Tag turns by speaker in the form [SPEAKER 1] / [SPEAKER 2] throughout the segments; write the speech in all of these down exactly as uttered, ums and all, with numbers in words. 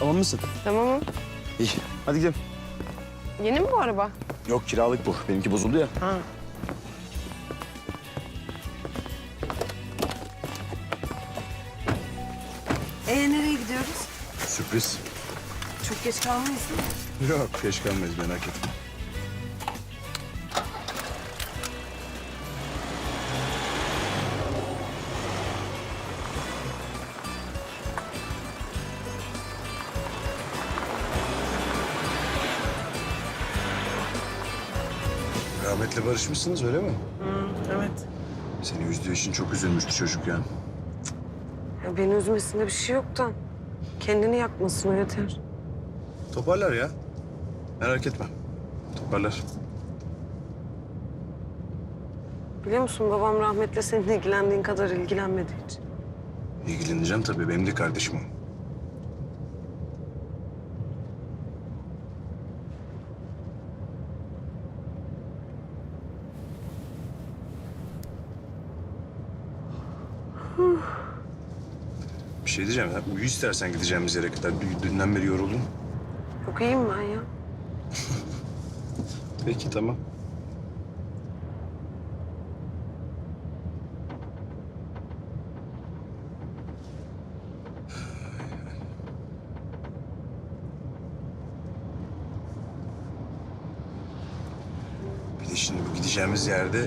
[SPEAKER 1] Tamam mısın?
[SPEAKER 2] Tamamım.
[SPEAKER 1] İyi. Hadi gidelim.
[SPEAKER 2] Yeni mi bu araba?
[SPEAKER 1] Yok kiralık bu. Benimki bozuldu ya.
[SPEAKER 2] Ha.
[SPEAKER 3] Ee nereye gidiyoruz?
[SPEAKER 1] Sürpriz.
[SPEAKER 3] Çok geç kalmayız değil mi?
[SPEAKER 1] Yok geç kalmayız merak etme. Rahmetli barışmışsınız öyle mi?
[SPEAKER 2] Evet.
[SPEAKER 1] Seni üzdüğü için çok üzülmüştü çocuk ya.
[SPEAKER 2] Ya beni üzmesinde bir şey yok da kendini yakmasın o yeter.
[SPEAKER 1] Toparlar ya. Merak etme. Toparlar.
[SPEAKER 2] Biliyor musun babam rahmetle senin ilgilendiğin kadar ilgilenmedi hiç.
[SPEAKER 1] İlgileneceğim tabii. Benim de kardeşim o. Bir şey diyeceğim ya. Uyu istersen gideceğimiz yere kadar. Dün- Dünden beri yoruldum.
[SPEAKER 2] Yok iyiyim ben ya.
[SPEAKER 1] Peki tamam. Bir de şimdi bu gideceğimiz yerde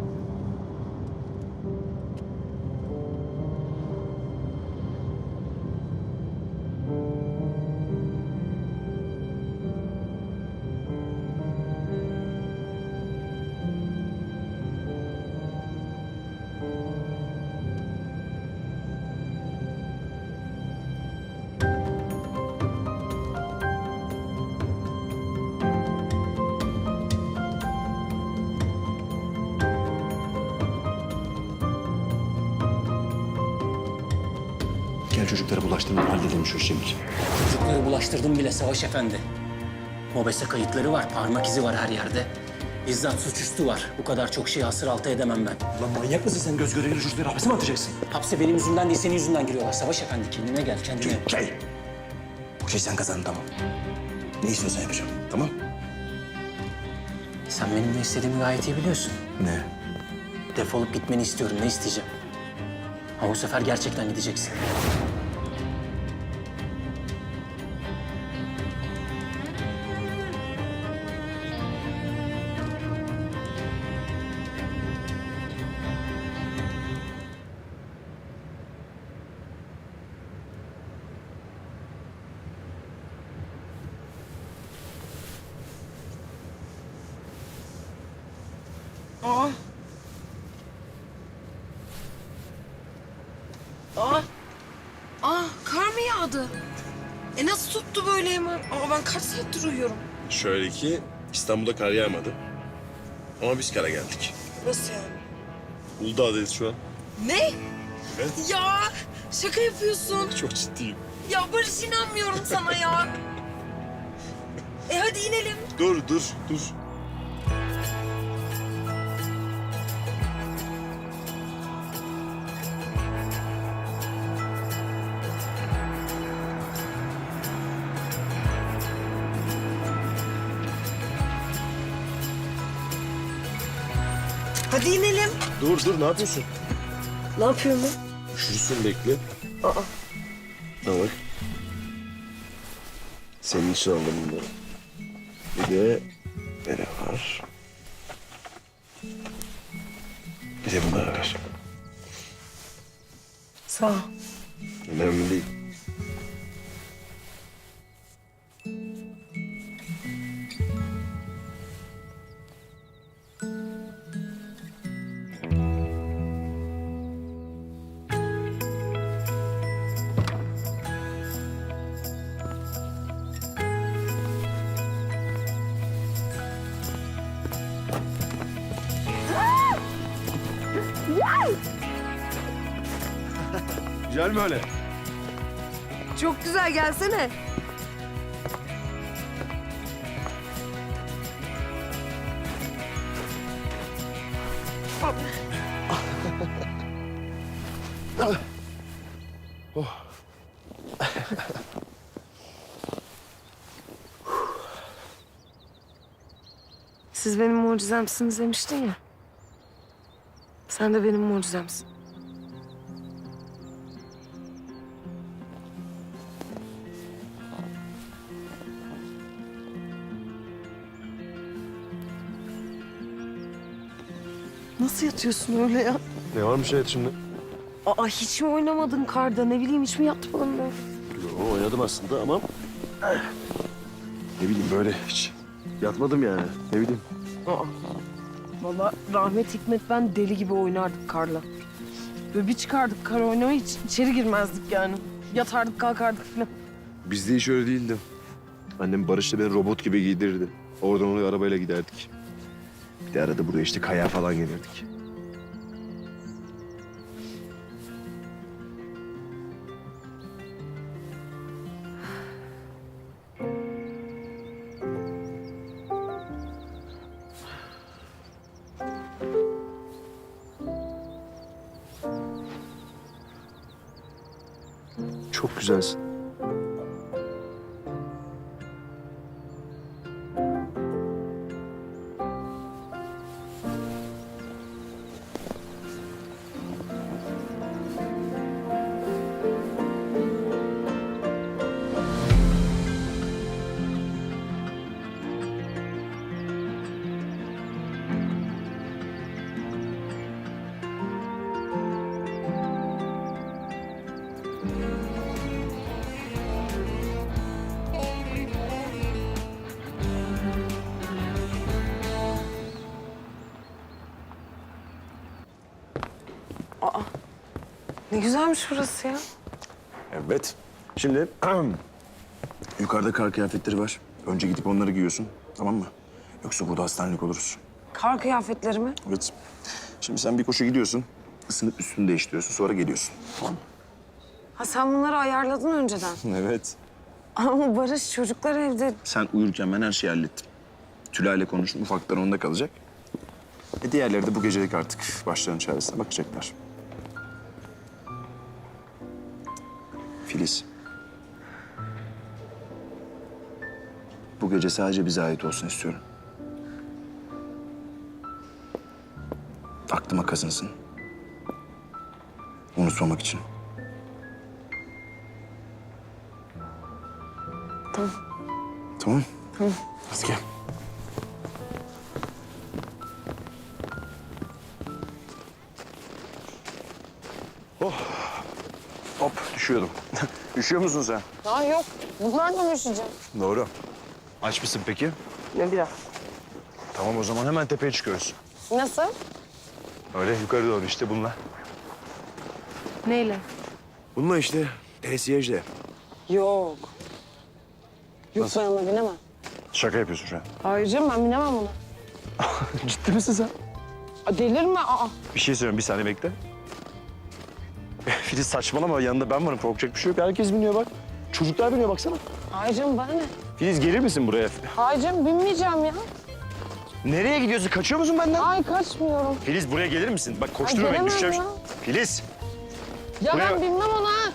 [SPEAKER 4] Gel çocuklara bulaştırma, halledelim şu işi.
[SPEAKER 5] Çocukları bulaştırdım bile Savaş Efendi. Mobese kayıtları var, parmak izi var her yerde. Bizzat suçüstü var. Bu kadar çok şeyi hasır altı edemem ben.
[SPEAKER 4] Lan manyak mısın sen? Göz göre göre çocukları hapse mi atacaksın?
[SPEAKER 5] Hapse benim yüzümden değil, senin yüzünden giriyorlar. Savaş Efendi kendine gel, kendine.
[SPEAKER 4] Gel. Bu şey sen kazandın tamam. Ne istiyorsan yapacağım, tamam?
[SPEAKER 5] Sen benim ne istediğimi gayet iyi biliyorsun.
[SPEAKER 4] Ne?
[SPEAKER 5] Defolup gitmeni istiyorum, ne isteyeceğim? Ama bu sefer gerçekten gideceksin.
[SPEAKER 3] Aa. Aa. Aa kar mı yağdı? E nasıl tuttu böyle hemen? Aa ben kaç saattir uyuyorum.
[SPEAKER 6] Şöyle ki İstanbul'da kar yağmadı. Ama biz kara geldik.
[SPEAKER 3] Nasıl yani?
[SPEAKER 6] Uludağ'dayız şu an.
[SPEAKER 3] Ne?
[SPEAKER 6] Evet.
[SPEAKER 3] Ya şaka yapıyorsun.
[SPEAKER 6] Çok ciddiyim.
[SPEAKER 3] Ya Barış inanmıyorum sana ya. E hadi inelim.
[SPEAKER 6] Dur, dur, dur.
[SPEAKER 3] Hadi inelim.
[SPEAKER 6] Dur, dur. Ne yapıyorsun?
[SPEAKER 3] Ne yapıyorum ben?
[SPEAKER 6] Üşürsün bekle.
[SPEAKER 3] Aa.
[SPEAKER 6] Ne bak. Senin için aldım bunları. Bir de bere var. Bir de bunlar var.
[SPEAKER 3] Sağ ol.
[SPEAKER 6] Önemli değil.
[SPEAKER 1] Güzel mi öyle?
[SPEAKER 3] Çok güzel gelsene.
[SPEAKER 2] Siz benim mucizemsiniz demiştin ya. Sen de benim mucizemsin. Nasıl yatıyorsun öyle ya?
[SPEAKER 1] Ne varmış hayat şimdi?
[SPEAKER 2] Aa, hiç mi oynamadın karda? Ne bileyim, hiç mi yatmadın böyle?
[SPEAKER 1] Yo, oynadım aslında ama... Ne bileyim böyle hiç yatmadım yani. Ne bileyim.
[SPEAKER 2] Aa. Vallahi rahmet Hikmet ben deli gibi oynardık karla. Böyle bir çıkardık kar oynamaya, hiç içeri girmezdik yani. Yatardık kalkardık falan.
[SPEAKER 7] Bizde hiç öyle değildi. Annem Barış'la beni robot gibi giydirirdi. Oradan oraya arabayla giderdik. Bir de arada buraya işte kayağa falan gelirdik. Çok güzelsin.
[SPEAKER 2] Ne güzelmiş burası ya.
[SPEAKER 7] Evet. Şimdi yukarıda kar kıyafetleri var. Önce gidip onları giyiyorsun. Tamam mı? Yoksa burada hastanelik oluruz.
[SPEAKER 2] Kar kıyafetleri mi?
[SPEAKER 7] Evet. Şimdi sen bir koşu gidiyorsun. Isınıp üstünü değiştiriyorsun. Sonra geliyorsun. Tamam mı?
[SPEAKER 2] Ha, sen bunları ayarladın önceden.
[SPEAKER 7] Evet.
[SPEAKER 2] Ama Barış, çocuklar evde.
[SPEAKER 7] Sen uyurken ben her şeyi hallettim. Tülay'la konuştum. Ufaklar onda kalacak. E diğerleri de bu gecelik artık başlarının çaresine bakacaklar. Filiz. Bu gece sadece bize ait olsun istiyorum. Aklıma kazınsın. Unutmamak için.
[SPEAKER 2] Tamam.
[SPEAKER 7] Tamam.
[SPEAKER 2] Tamam.
[SPEAKER 7] Hadi gel. Oh. Hop düşüyordum. Üşüyor musun sen?
[SPEAKER 2] Aa, yok. Bunlarla mı üşüyeceğim?
[SPEAKER 7] Doğru. Aç mısın peki?
[SPEAKER 2] Ne biraz?
[SPEAKER 7] Tamam o zaman hemen tepeye çıkıyoruz.
[SPEAKER 2] Nasıl?
[SPEAKER 7] Öyle yukarı doğru işte bununla.
[SPEAKER 2] Neyle?
[SPEAKER 7] Bununla işte pesiyejle.
[SPEAKER 2] Yok. Yok, ben ona binemem.
[SPEAKER 7] Şaka yapıyorsun şu an.
[SPEAKER 2] Hayır canım, ben binemem ona.
[SPEAKER 7] Ciddi misin sen?
[SPEAKER 2] Aa, delirme. Aa.
[SPEAKER 7] Bir şey söyleyeyim bir saniye bekle. Filiz saçmalama yanında ben varım korkacak bir şey yok. Herkes biniyor bak. Çocuklar biniyor baksana.
[SPEAKER 2] Hayır canım, bana ne?
[SPEAKER 7] Filiz gelir misin buraya?
[SPEAKER 2] Hayır canım, binmeyeceğim ya.
[SPEAKER 7] Nereye gidiyorsun? Kaçıyor musun benden?
[SPEAKER 2] Ay, kaçmıyorum.
[SPEAKER 7] Filiz buraya gelir misin? Bak
[SPEAKER 2] Ay,
[SPEAKER 7] koşturma beni
[SPEAKER 2] gelemem
[SPEAKER 7] düşeceğim.
[SPEAKER 2] ya.
[SPEAKER 7] Filiz.
[SPEAKER 2] Ya
[SPEAKER 7] Buraya-
[SPEAKER 2] ben binmem ona.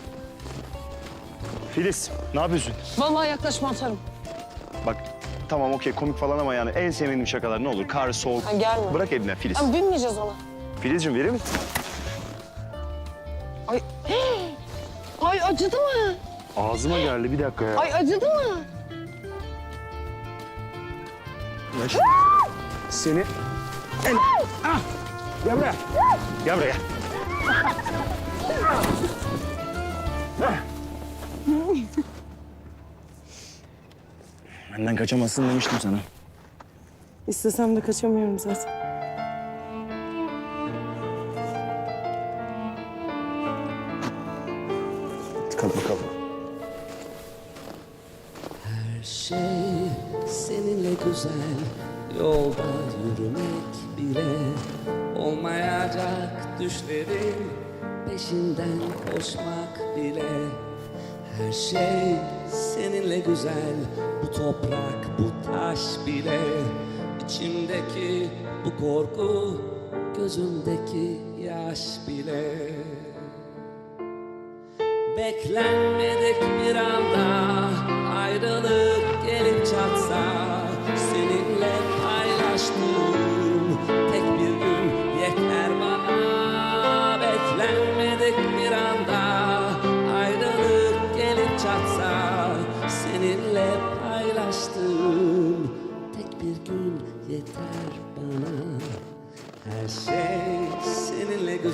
[SPEAKER 7] Filiz ne yapıyorsun?
[SPEAKER 2] Vallahi yaklaşma, atarım.
[SPEAKER 7] Bak tamam okey komik falan ama yani en sevmediğim şakalar ne olur? Kar, soğuk.
[SPEAKER 2] Ha, gelme.
[SPEAKER 7] Bırak elinden Filiz.
[SPEAKER 2] Ya binmeyeceğiz ona.
[SPEAKER 7] Filizciğim verir misin?
[SPEAKER 2] Ay. Ay, acıdı mı?
[SPEAKER 7] Ağzıma geldi bir dakika ya.
[SPEAKER 2] Ay, acıdı mı?
[SPEAKER 7] Ya şu- Seni... El... Ah! Gel buraya. Gel buraya. Benden kaçamazsın demiştim sana.
[SPEAKER 2] İstesem de kaçamıyorum zaten.
[SPEAKER 7] Hadi bakalım.
[SPEAKER 8] Her şey seninle güzel, yolda yürümek bile olmayacak düşlerin peşinden koşmak bile. Her şey seninle güzel, bu toprak, bu taş bile. İçimdeki bu korku, gözümdeki yaş bile. Beklenmedik bir anda ayrılık gelip çatsa, seninle paylaştım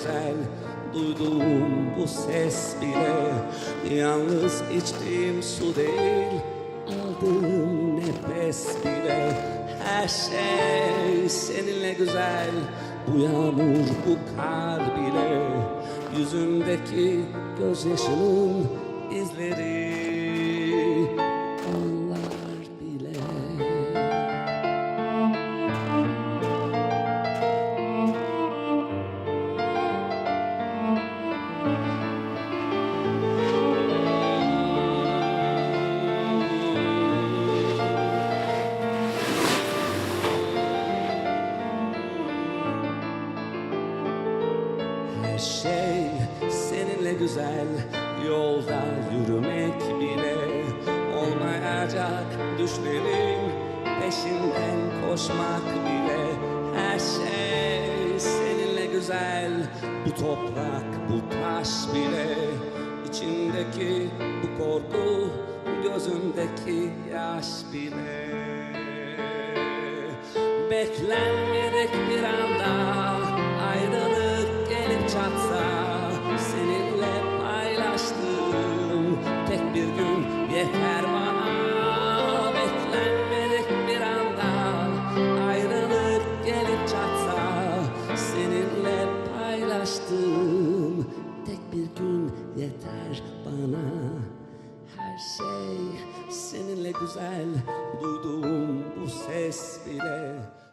[SPEAKER 8] güzel. Duyduğum bu ses bile yalnız içtiğim su değil, aldığım nefes bile. Her şey seninle güzel. Bu yağmur, bu kar bile, yüzündeki gözyaşının izleri, onlar bile. Her şey seninle güzel. Yolda yürümek bile olmayacak düşlerin peşinden koşmak bile. Her şey seninle güzel. Bu toprak, bu taş bile, içindeki bu korku, gözündeki yaş bile. Beklenmedik bir anda ayrılık gelip çatsa, seninle paylaştığım tek bir gün yeter bana. Beklenmedik bir anda ayrılık gelip çatsa, seninle paylaştığım tek bir gün yeter bana. Her şey seninle güzel. Duyduğum bu ses bile